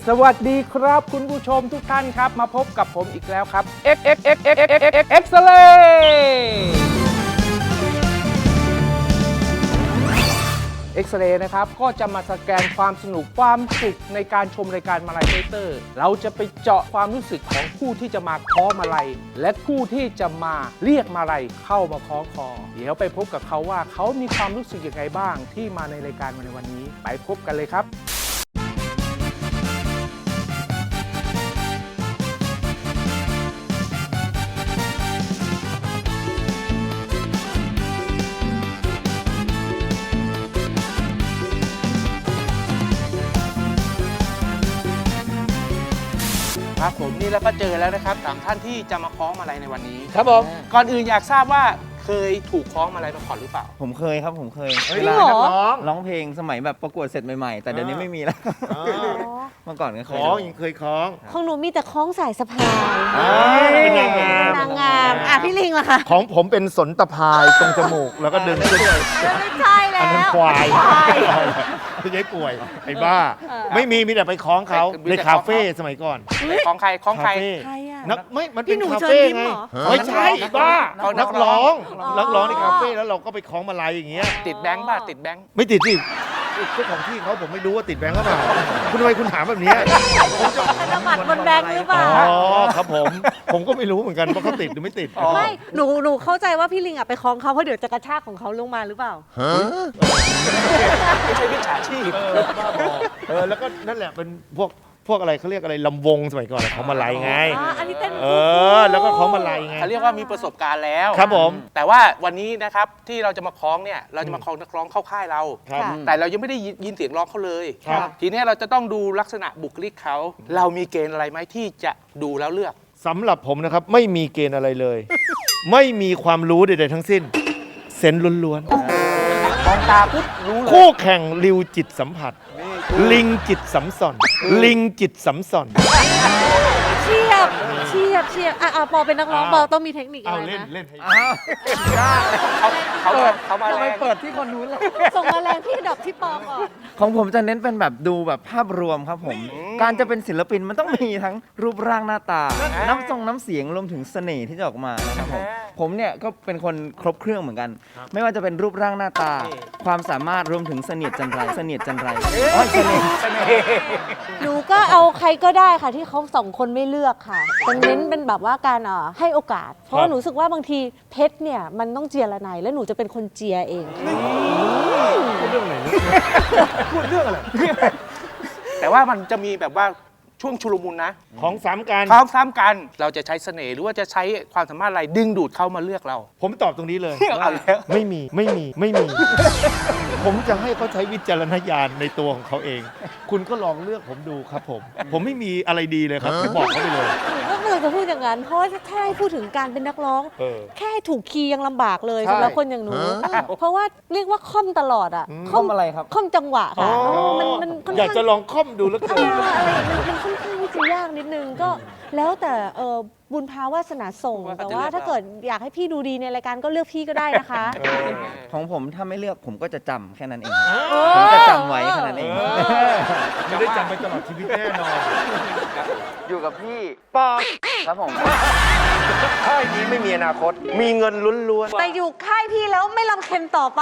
สวัสดีครับคุณผู้ชมทุกท่านครับมาพบกับผมอีกแล้วครับ Xเรย์เอ็กซเรย์นะครับก็จะมาสแกนความสนุกความสุขในการชมรายการมาลัยเตอร์เราจะไปเจาะความรู้สึกของผู้ที่จะมาคล้องมาลัยและผู้ที่จะมาเรียกมาลัยเข้ามาคล้องคอเดี๋ยวไปพบกับเขาว่าเขามีความรู้สึกยังไงบ้างที่มาในรายการในวันนี้ไปพบกันเลยครับครับผมนี่แล้วก็เจอแล้วนะครับ3ท่านที่จะมาคล้องมาลัยในวันนี้ครับผมก่อนอื่นอยากทราบว่าเคยถูกคล้องมาลัยมาก่อนหรือเปล่าผมเคยครับผมเคยเวลานักร้องเพลงสมัยแบบประกวดเสร็จใหม่ๆแต่เดี๋ยวนี้ไม่มีแล้วเมื่อก่อนก็เคยคล้องยังเคยคล้องของหนูมีแต่คล้องสายสะพายเป็นนางงามนางงามพี่ลิงล่ะคะของผมเป็นสนตะพายตรงจมูกแล้วก็ดึงขึ้นไม่ใช่แล้วอันนั้นควายพี่ยัยป่วยไอ้บ้าไม่มีแต่ไปคล้องเขาในคาเฟ่สมัยก่อนคล้องใครคล้องใครนักไม่มันเป็นคาเฟ่ไงไม่ใช่บ้านักร้องในคาเฟ่แล้วเราก็ไปคล้องมาลัยอย่างเงี้ยติดแบงค์ป่ะติดแบงค์ไม่ติดสิเจ้าของที่เขาผมไม่รู้ว่าติดแบงค์หรือเปล่าคุณทำไมคุณถามแบบนี้ธนบัตรบนแบงค์หรือเปล่าอ๋อครับผมก็ไม่รู้เหมือนกันว่าเขาติดหรือไม่ติดไม่หนูเข้าใจว่าพี่ลิงไปคล้องเขาเพราะเดี๋ยวจะกระชากของเขาลงมาหรือเปล่าไม่ใช่วิชาชีพแล้วก็นั่นแหละเป็นพวกอะไรเขาเรียกอะไรลำวงสมัยก่อนเขามาลัยไงอันนี้เต้นแล้วก็เขามาลัยไงเขาเรียกว่ามีประสบการณ์แล้วครับผมแต่ว่าวันนี้นะครับที่เราจะมาคล้องเนี่ยเราจะมาคล้องนักร้องเข้าค่ายเราแต่เรายังไม่ได้ยินเสียงร้องเขาเลยทีนี้เราจะต้องดูลักษณะบุคลิกเขาเรามีเกณฑ์อะไรไหมที่จะดูแล้วเลือกสำหรับผมนะครับไม่มีเกณฑ์อะไรเลยไม่มีความรู้ใดๆทั้งสิ้นเซนส์ล้วนๆมองตาปุ๊บรู้เลยคู่แข่งริวจิตสัมผัสลิงจิตสัมสอนลิงจิตสัมสอนเชียบปอเป็นนักร้องปอต้องมีเทคนิคอะไรนะเล่นให้เขามาเปิดที่คนนู้นเลยส่งมาแรงพี่ดับที่ปอก่อนของผมจะเน้นเป็นแบบดูแบบภาพรวมครับผมการจะเป็นศิลปินมันต้องมีทั้งรูปร่างหน้าตาน้ำเสียงรวมถึงเสน่ห์ที่จะออกมานะครับผมเนี่ยก็เป็นคนครบเครื่องเหมือนกันไม่ว่าจะเป็นรูปร่างหน้าตาความสามารถรวมถึงเสน่ห์จันไรเสน่ห์หนูก็เอาใครก็ได้ค่ะที่เขา2 คนไม่เลือกค่ะเป็นเน้นเป็นแบบว่าการให้โอกาสเพราะหนูรู้สึกว่าบางทีเพชรเนี่ยมันต้องเจียระไนและหนูจะเป็นคนเจียเองพูดเรื่องอะไรพูดเรื่องอะไรแต่ว่ามันจะมีแบบว่าช่วงชุลมุนนะของซ้ำกันเราจะใช้เสน่ห์หรือว่าจะใช้ความสามารถอะไรดึงดูดเขามาเลือกเราผมตอบตรงนี้เลยไม่มีผมจะให้เขาใช้วิจารณญาณในตัวของเขาเองคุณก็ลองเลือกผมดูครับผมไม่มีอะไรดีเลยครับบอกเขาไปเลยก็เลยจะพูดอย่างนั้นเพราะถ้าให้พูดถึงการเป็นนักร้องแค่ถูกคีย์ยังลำบากเลยสำหรับคนอย่างหนูเพราะว่าเรียกว่าค่อมตลอดค่อมอะไรครับค่อมจังหวะค่ะมันอยากจะลองค่อมดูแล้วกันมันค่อนข้างที่จะยากนิดนึงก็แล้วแต่บุญภาวาสนาส่งแต่ว่าถ้าเกิดอยากให้พี่ดูดีในรายการก็เลือกพี่ก็ได้นะคะของผมถ้าไม่เลือกผมก็จะจำแค่นั้นเองผมจะจำไว้แค่นั้นเองไม่ได้จำไปตลอดชีวิตแน่นอนอยู่กับพี่ปอครับผมค่ายนี้ไม่มีอนาคตมีเงินล้วนๆแต่อยู่ค่ายพี่แล้วไม่ลำเค็นต่อไป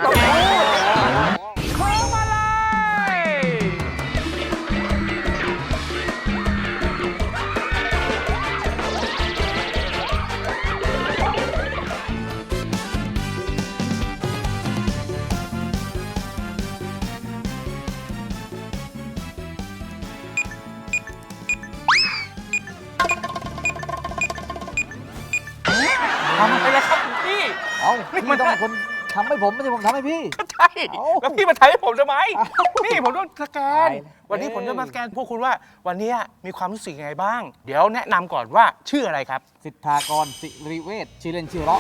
ทำไปแล้วครับพี่พี่ต้องเป็นคนทำให้ผมไม่ใช่ผมทำให้พี่ใช่แล้วพี่มาถ่ายให้ผมทำไมนี่ผมต้องสแกนวันนี้ผมจะมาสแกนพวกคุณว่าวันนี้มีความรู้สึกยังไงบ้างเดี๋ยวแนะนำก่อนว่าชื่ออะไรครับสิทธากรสิริเวชชื่อเล่นชื่อเราะ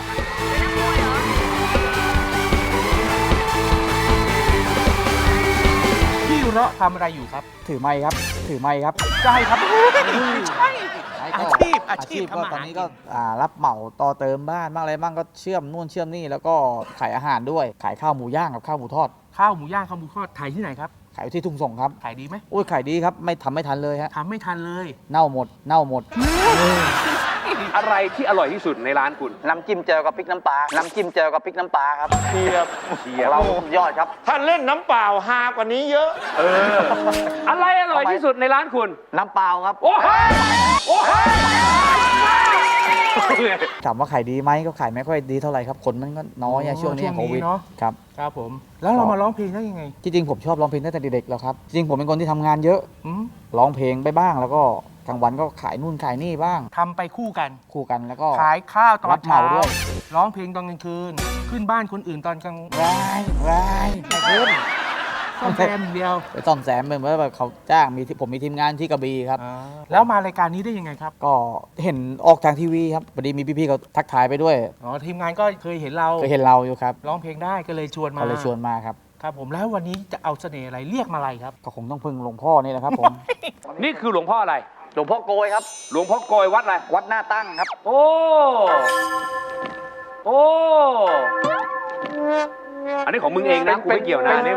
พี่เราะทำอะไรอยู่ครับถือไม้ครับใช่ครับใช่อาชีพก็ตอนนี้ก็รับเหมาต่อเติมบ้านบ้างอะไรบ้างก็เชื่อมนู่นเชื่อมนี่แล้วก็ขายอาหารด้วยขายข้าวหมูย่างกับข้าวหมูทอดข้าวหมูย่างข้าวหมูทอดถ่ายที่ไหนครับขายอยู่ที่ทุ่งส่งครับขายดีไหมโอ้ยขายดีครับไม่ทันเลยฮะทำไม่ทันเลยเน่าหมดอะไรที่อร่อยที่สุดในร้านคุณน้ำจิ้มเจลกับพริกน้ำปลา น้ำจิ้มเจลกับพริกน้ำปลาครับเชียบเราสุดยอดครับถ้าเล่นน้ำเปล่าฮากว่านี้เยอะอะไรอร่อยที่สุดในร้านคุณน้ำเปล่าครับโอ้โหโอ้โหถามว่าขายดีไหมก็ขายไม่ค่อยดีเท่าไหร่ครับคนมันก็น้อยอะช่วงนี้โควิดเนาะครับครับผม แล้วเรามาร้องเพลงได้ยังไงที่จริงผมชอบร้องเพลงตั้งแต่เด็กๆแล้วครับจริงผมเป็นคนที่ทำงานเยอะอืมร้องเพลงไปบ้าง แล้วก็กลางวันก็ขายนู่นขายนี่บ้างทำไปคู่กันคู่กันแล้วก็ขายข้าวตอรันบเหมาเช้าด้วยร้องเพลงตอนกลางคืน ขึ้นบ้านคนอื่นตอนกลางร้ายไม่ขึ้นซ่อมแซมอย่างเดียวไปซ่อมแซมเป็นว่าแบบเขาจ้างผมมีทีมงานที่กระบี่ครับแล้วมารายการนี้ได้ยังไงครับก็เห็นออกทางทีวีครับพอดีมีพี่ๆเขาทักทายไปด้วยอ๋อทีมงานก็เคยเห็นเราก็เห็นเราอยู่ครับร้องเพลงได้ก็เลยชวนมาก็เลยชวนมาครับครับผมแล้ววันนี้จะเอาเสน่ห์อะไรเรียกมาอะไรครับก็คงต้องพึ่งหลวงพ่อนี่แหละครับผมนี่คือหลวงพ่ออะไรหลวงพ่อโกยครับหลวงพ่อโกยวัดอะไรวัดหน้าตั้งครับโอ้ โอ้ อันนี้ของมึงเองนะกูไม่เกี่ยวนะนี่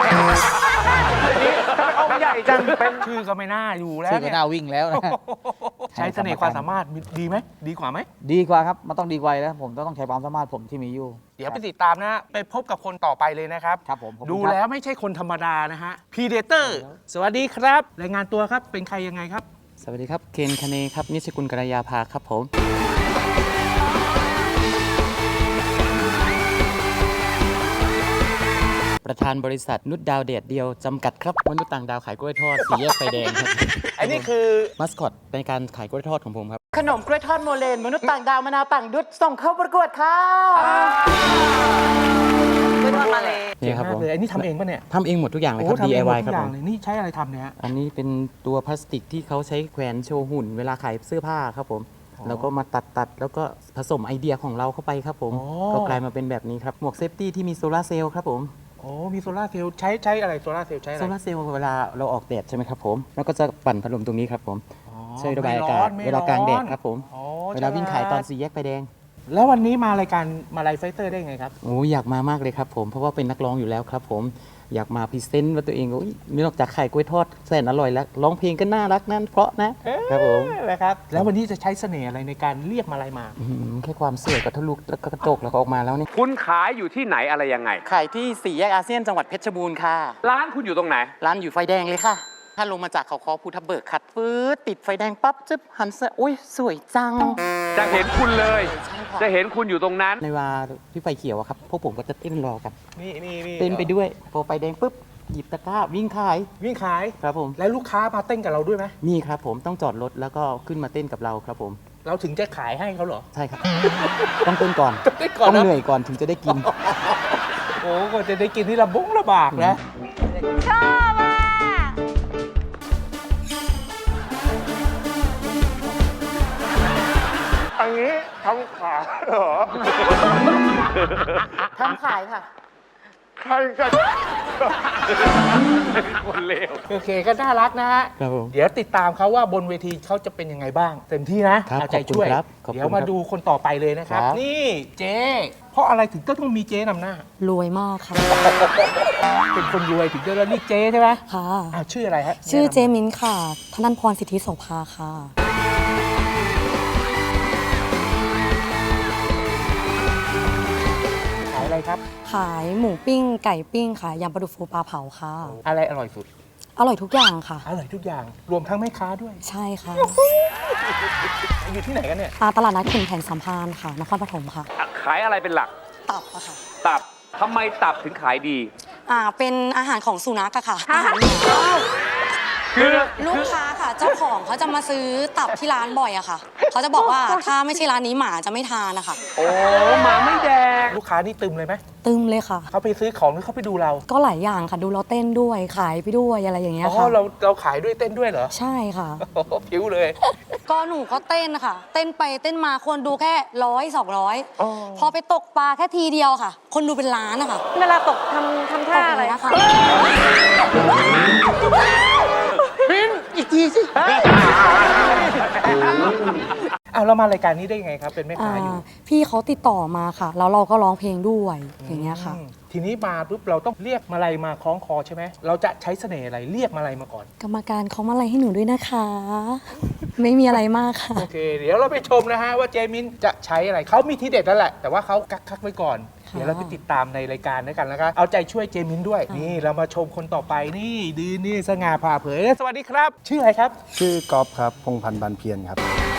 เอาใหญ่จังเป็นชื่อก็ไม่น่าอยู่แล้วชื่อก็เนี่ยน่าวิ่งแล้วนะใช้เสน่ห์ความสามารถดีไหมดีกว่าไหมดีกว่าครับมันต้องดีกว่าแล้วผมต้องใช้ความสามารถผมที่มีอยู่เดี๋ยวไปติดตามนะ ไปพบกับคนต่อไปเลยนะครับครับผมขอบคุณดูครับแล้วไม่ใช่คนธรรมดานะฮะพีเดเตอร์สวัสดีครับ รายงานตัวครับเป็นใครยังไงครับสวัสดีครับ เคนคเนครับ นิชกุลกรยาภาครับผม ประธานบริษัทนุชดาวเดดเดียว จำกัดครับมนุษย์ต่างดาวขายกล้วยทอดสีแยกไฟแดงครับอันนี้คือมัสคอตในการขายกล้วยทอดของผมครับขนมกล้วยทอดโมเลนมนุษย์ต่างดาวมะนาวต่างดุดส่งเข้าประกวดค่ะกล้วยทอดมาเลยนี่ครับผมเลยอันนี้ทำเองป่ะเนี่ยทำเองหมดทุกอย่างเลยครับทำเองหมด DIY ทุครับกอผย่างมเลยนี่ใช้อะไรทำเนี่ยฮะอันนี้เป็นตัวพลาสติกที่เขาใช้แขวนโชว์หุ่น เวลาขายเสื้อผ้าครับผม แล้วก็มาตัดแล้วก็ผสมไอเดียของเราเข้าไปครับผม ก็กลายมาเป็นแบบนี้ครับ หมวกเซฟตี้ที่มีโซลาร์เซลล์ครับผมโอ้มีโซลาร์เซลล์ใช้อะไรโซลาร์เซลล์ใช้อะไรโซลาร์เซลล์เวลาเราออกแดดใช่ไหมครับผม แล้วก็จะปั่นพัดลมตรงนี้ครับผม ช่วยระบายอากาศไม่ร้อนเวลากลางแดดครับผมอ๋อเวลาวิ่งขายตอนสี่แยกไฟแดงแล้ววันนี้มารายการมาไลฟ์ไฟเตอร์ได้ไงครับโอ้อยากมามากเลยครับผม เพราะว่าเป็นนักร้องอยู่แล้วครับผม อยากมาพรีเซนต์ว่าตัวเองโอ้ยนอกจากขายกล้วยทอดแสนอร่อยแล้วร้องเพลงก็น่ารักนั่นเพราะนะครับผมนะครับ แล้ววันนี้จะใช้เสน่ห์อะไรในการเรียกมาลัยมาแค่ความสวยกับทะลุแล้วก็กระจกแล้วก็ออกมาแล้วนี่คุณขายอยู่ที่ไหนอะไรยังไงขายที่สี่แยกอาเซียนจังหวัดเพชรบูรณ์ค่ะร้านคุณอยู่ตรงไหนร้านอยู่ไฟแดงเลยค่ะ ถ้าลงมาจากเขาคอภูทับเบิกขัดฟืดติดไฟแดงปั๊บจึ๊บหันซ้ายอุ้ยสวยจังจะเห็นคุณเลยใช่ค่ะจะเห็นคุณอยู่ตรงนั้นในเวลาที่ไฟเขียวอะครับพวกผมก็จะเต้นรอกันนี่เต้นไปด้วยพอไฟแดงปุ๊บหยิบตะกร้าวิ่งขายวิ่งขายครับผมแล้วลูกค้ามาเต้นกับเราด้วยไหมมีครับผมต้องจอดรถแล้วก็ขึ้นมาเต้นกับเราครับผมเราถึงจะขายให้เขาเหรอใช่ครับ ต้องเต้นก่อนเต้นก่อนต้องนะเหนื่อยก่อนถึงจะได้กินโอ้ก็จะได้กินที่ลำบากนะชอบอ่ะอันนี้ทำขาเหรอทำขายค่ะใครกันคนเลวโอเคก็น่ารักนะฮะครับผมเดี๋ยวติดตามเขาว่าบนเวทีเขาจะเป็นยังไงบ้าง เต็มที่นะครับ เอาใจช่วยขอบคุณครับขอบคุณเดี๋ยวมาดูคนต่อไปเลยนะครับครับนี่เจ๊เพราะอะไรถึงต้องมีเจ๊นำหน้ารวยมากค่ะเป็นคนรวยถึงจะเรียกเจ๊ใช่ไหมค่ะอ้าวชื่ออะไรฮะชื่อเจมินค่ะ ธนันพรสิทธิโสภาค่ะขายอะไรครับขายหมูปิ้ง ไก่ปิ้งค่ะยำปลาดุกฟูปลาเผาค่ะอะไรอร่อยสุดอร่อยทุกอย่างค่ะอร่อยทุกอย่างรวมทั้งแม่ค้าด้วยใช่ค่ะอยู่ที่ไหนกันเนี่ยตลาดนัดขุนแผนสัมพันธ์ค่ะ นครปฐมค่ะขายอะไรเป็นหลักตับอะค่ะตับทำไมตับถึงขายดีเป็นอาหารของสุนัขอะค่ะ อาหารหมาลูกค้าค่ะ เจ้าของเขาจะมาซื้อตับที่ร้านบ่อยอะค่ะ เขาจะบอกว่าถ้าไม่ใช่ร้านนี้หมาจะไม่ทานนะคะโอ้หมาไม่แดงลูกค้านี่ตึมเลยไหมตึมเลยค่ะเขาไปซื้อของหรือเขาไปดูเราก็หลายอย่างค่ะ ดูเราเต้นด้วย ขายไปด้วยอะไรอย่างเงี้ยอ๋อค่ะเราขายด้วยเต้นด้วยเหรอใช่ค่ะโอ้โหผิวเลยก็หนูก็เต้นค่ะ เต้นไปเต้นมาคนดูแค่100-200 พอไปตกปลาแค่ทีเดียวค่ะ คนดูเป็นล้านนะคะเวลาตกทำท่าอะไรนะคะปิ้นอีกทีสิเอาเรามารายการนี้ได้ยังไงครับ เป็นแม่ค้าอยู่พี่เขาติดต่อมาค่ะ แล้วเราก็ร้องเพลงด้วยอย่างเงี้ยค่ะทีนี้มาปุ๊บเราต้องเรียกมาลัยมาคล้องคอใช่ไหมเราจะใช้เสน่ห์อะไรเรียกมาลัยมาก่อนกรรมการเขามาอะไรให้หนูด้วยนะคะ ไม่มีอะไรมากค่ะโอเค เดี๋ยวเราไปชมนะฮะว่าเจมินจะใช้อะไรเขามีทีเด็ดแล้วแหละแต่ว่าเขากักไว้ก่อน เดี๋ยวเราไปติดตามในรายการด้วยกันนะครับเอาใจช่วยเจมินด้วย นี่เรามาชมคนต่อไปนี่ดีนี่สง่าผ่าเผยสวัสดีครับ ชื่ออะไรครับชื่อกอล์ฟครับ พงพันธ์บานเพียรครับ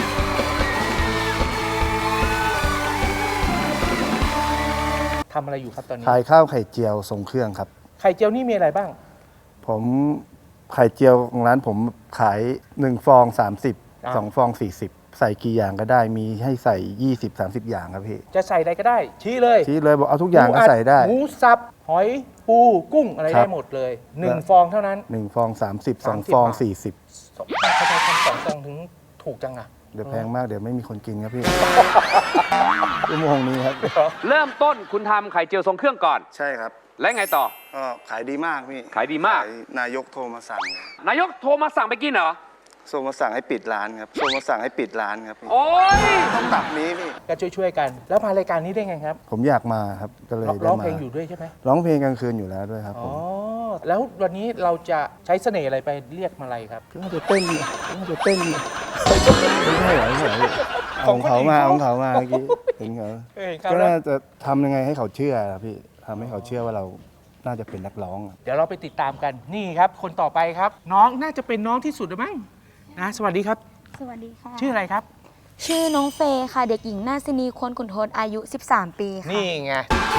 ทำอะไรอยู่ครับตอนนี้ขายข้าวไข่เจียวทรงเครื่องครับไข่เจียวนี่มีอะไรบ้างผมไข่เจียวของร้านผมขาย1ฟอง30 2ฟอง40 ใส่กี่อย่างก็ได้มีให้ใส่20-30 อย่างครับพี่จะใส่อะไรก็ได้ ชี้เลยชี้เลยบอกเอาทุกอย่างก็ใส่ได้หมูสับหอยปูกุ้งอะไรครัได้บหมดเลย1ฟองเท่านั้น 1ฟอง30 2ฟองบาท 40 ทำไมทำ2ฟองถึงถูกจังอะเดี๋ยวแพงมากเดี๋ยวไม่มีคนกินครับพี่ชั่วโมงนี้ครับเริ่มต้นคุณทำไข่เจียวทรงเครื่องก่อนใช่ครับและไงต่อก็ขายดีมากพี่ขายดีมากนายกโทรมาสั่งนายกโทรมาสั่งไปกินเหรอโทรมาสั่งให้ปิดร้านครับโทรมาสั่งให้ปิดร้านครับพี่โอ้ยต้องตับนี้พี่ก็ช่วยๆกัน แล้วมารายการนี้ได้ไงครับผมอยากมาครับก็เลยได้ร้องมาเพลงอยู่ด้วยใช่ไหมร้องเพลงกลางคืนอยู่แล้วด้วยครับผอ๋อมแล้ววันนี้เราจะใช้เสน่ห์อะไรไปเรียกมาลัยครับน่าจะเต้นน่าจะเต้นไม่ใช่เหรอไม่ใช่เหรอของเขามาเมื่อกี้เห็นเขาครับก็น่าจะทำยังไงให้เขาเชื่อครับพี่ทำให้เขาเชื่อว่าเราน่าจะเป็นนักร้องอะเดี๋ยวเราไปติดตามกันนี่ครับ คนต่อไปครับ น้องน่าจะเป็นน้องที่สุดหรือมั้งนะสวัสดีครับสวัสดีค่ะชื่ออะไรครับชื่อน้องเฟย์ค่ะ เด็กหญิงนาซินีควรขุนทศอายุ 13 ปีค่ะนี่ไง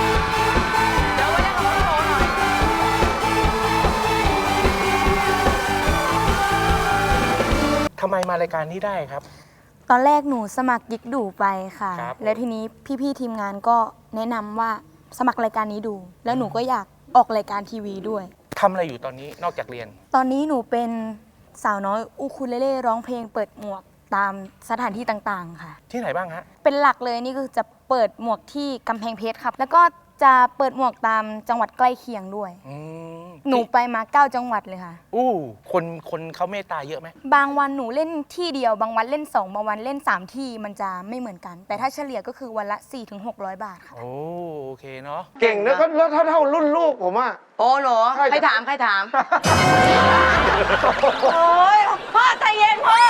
ทำไมมารายการนี้ได้ครับตอนแรกหนูสมัครยิกดูไปค่ะครับแล้วทีนี้พี่ๆทีมงานก็แนะนำว่าสมัครรายการนี้ดู แล้วหนูก็อยากออกรายการทีวีด้วยทำอะไรอยู่ตอนนี้นอกจากเรียนตอนนี้หนูเป็นสาวน้อยอูคูเลเล่ร้องเพลงเปิดหมวกตามสถานที่ต่างๆค่ะที่ไหนบ้างฮะเป็นหลักเลยนี่คือจะเปิดหมวกที่กำแพงเพชรครับ แล้วก็จะเปิดหมวกตามจังหวัดใกล้เคียงด้วย หนูไปมา 9 จังหวัดเลยค่ะอู้คนเขาเมตตาเยอะไหมบางวันหนูเล่นที่เดียว บางวันเล่น 2 บางวันเล่น 3 ที่มันจะไม่เหมือนกัน แต่ถ้าเฉลี่ยก็คือวันละ 400-600 บาทค่ะโอเคเนาะเก่งนะก็แล้วเท่ารุ่นลูกผมอะโอ้เหรอใครใครถาม ใครถาม โอ้ยพ่อใจเย็นพ่อ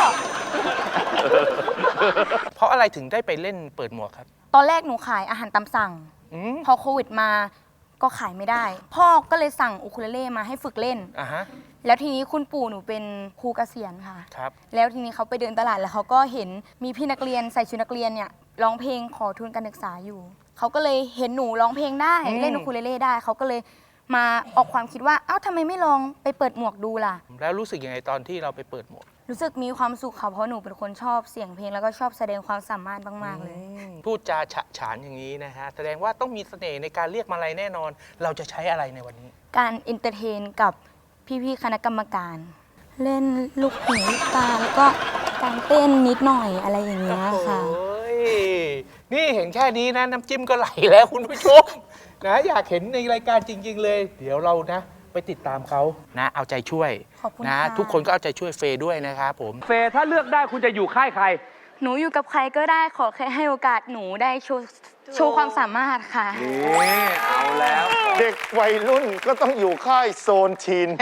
เพราะอะไรถึงได้ไปเล่นเปิดหมวกครับตอนแรกหนูขายอาหารตามสั่ง พอโควิดมาก็ขายไม่ได้ พ่อก็เลยสั่งอูคูเลเล่มาให้ฝึกเล่นอ่ะฮะแล้วทีนี้คุณปู่หนูเป็นครูเกษียณค่ะครับแล้วทีนี้เขาไปเดินตลาดแล้วเขาก็เห็นมีพี่นักเรียนใส่ชุดนักเรียนเนี่ยร้องเพลงขอทุนการศึกษาอยู่ เขาก็เลยเห็นหนูร้องเพลงได้เล่นอูคูเลเล่ได้ เขาก็เลยมาออกความคิดว่าเอ้าทำไมไม่ลองไปเปิดหมวกดูล่ะแล้วรู้สึกยังไงตอนที่เราไปเปิดหมวกรู้สึกมีความสุขค่ะเพราะหนูเป็นคนชอบเสียงเพลงแล้วก็ชอบแสดงความสามารถมากๆเลยพูดจาฉะฉานอย่างนี้นะฮะ แสดงว่าต้องมีเสน่ห์ในการเรียกมาลัยแน่นอน เราจะใช้อะไรในวันนี้การเอนเตอร์เทนกับพี่ๆคณะกรรมการ เล่นลูกหูลูกตาแล้วก็การเต้นนิดหน่อยอะไรอย่างเงี้ยค่ะโอ้ยนี่เห็นแค่นี้นะน้ำจิ้มก็ไหลแล้วคุณผู้ชมนะอยากเห็นในรายการจริง ๆ เลย เดี๋ยวเรานะ ไปติดตามเขานะเอาใจช่วยขอบคุณนะค่ะทุกคนก็เอาใจช่วยเฟย์ด้วยนะครับผมเฟย์ถ้าเลือกได้คุณจะอยู่ค่ายใครหนูอยู่กับใครก็ได้ขอแค่ให้โอกาสหนูได้โชว์ความสามารถค่ะนี่เอาแล้วเด็กวัยรุ่นก็ต้องอยู่ค่ายโซนทีน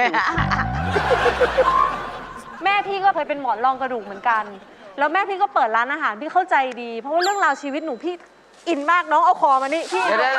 แม่พี่ก็เคยเป็นหมอนรองกระดูกเหมือนกัน แล้วแม่พี่ก็เปิดร้านอาหารพี่เข้าใจดี เพราะว่าเรื่องราวชีวิตหนูพี่อินมากน้องเอาคอมานี่พี่เดี๋ยว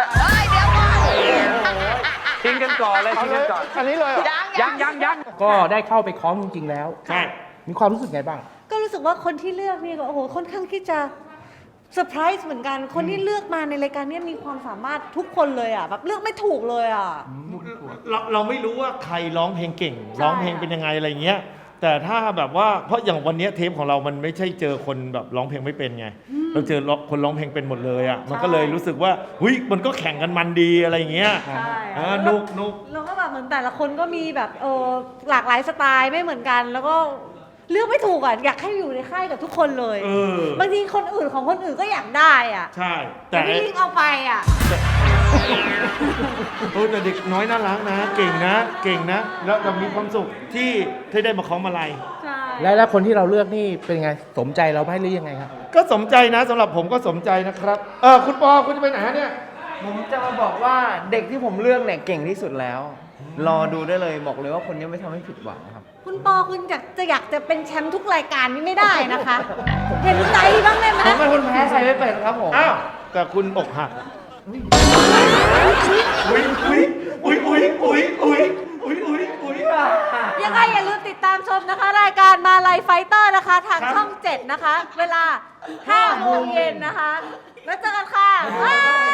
ทิ้งกันก่อนเลยทิ้งกันก่อนอันนี้เลยเหรอยังก็ได้เข้าไปคล้องจริงๆแล้วใช่มีความรู้สึกไงบ้างก็รู้สึกว่าคนที่เลือกนี่ก็โอ้โหค่อนข้างที่จะเซอร์ไพรส์เหมือนกัน คนที่เลือกมาในรายการเนี้มีความสามารถทุกคนเลยอ่ะแบบเลือกไม่ถูกเลยอ่ะเราไม่รู้ว่าใครร้องเพลงเก่ง ร้องเพลงเป็นยังไงอะไรเงี้ย แต่ถ้าแบบว่าเพราะอย่างวันเนี้ยเทปของเรามันไม่ใช่เจอคนแบบร้องเพลงไม่เป็นไง เราเจอคนร้องเพลงเป็นหมดเลยอ่ะมันก็เลยรู้สึกว่าหุยมันก็แข่งกันมันดีอะไรเงี้ยใช่นุกแล้วก็แบบเหมือนแต่ละคนก็มีแบบหลากหลายสไตล์ไม่เหมือนกัน แล้วก็เลือกไม่ถูกอ่ะอยากให้อยู่ในค่ายกับทุกคนเลย บางทีคนอื่นของคนอื่นก็อยากได้อ่ะใช่แต่พี่ลิงเอาไปอ่ะแต่เด็กน้อยน่ารักนะ เก่งนะแล้วเรามีความสุขที่ได้มาคล้องมาลัยใช่แล้วคนที่เราเลือกนี่เป็นไงสมใจเราไหมหรือยังไงครับก็สมใจนะสำหรับผมก็สมใจนะครับคุณปอคุณจะไปไหนฮะเนี่ยผมจะมาบอกว่าเด็กที่ผมเลือกเนี่ยเก่งที่สุดแล้ว รอดูได้เลยบอกเลยว่าคนนี้ไม่ทำให้ผิดหวังครับคุณปอคุณอยากจะเป็นแชมป์ทุกรายการนี่ไม่ได้นะคะ เห็นใจบ้างได้ไหมผมเป็นคนแพ้ใครไม่เป็นครับผมอ้าวแต่คุณอกหักยังไงอย่าลืมติดตามชมนะคะ รายการมาลัยไฟเตอร์นะคะ ทางช่อง 7 นะคะ เวลา 5 โมงเย็นนะคะ แล้วเจอกันค่ะบ๊ายบาย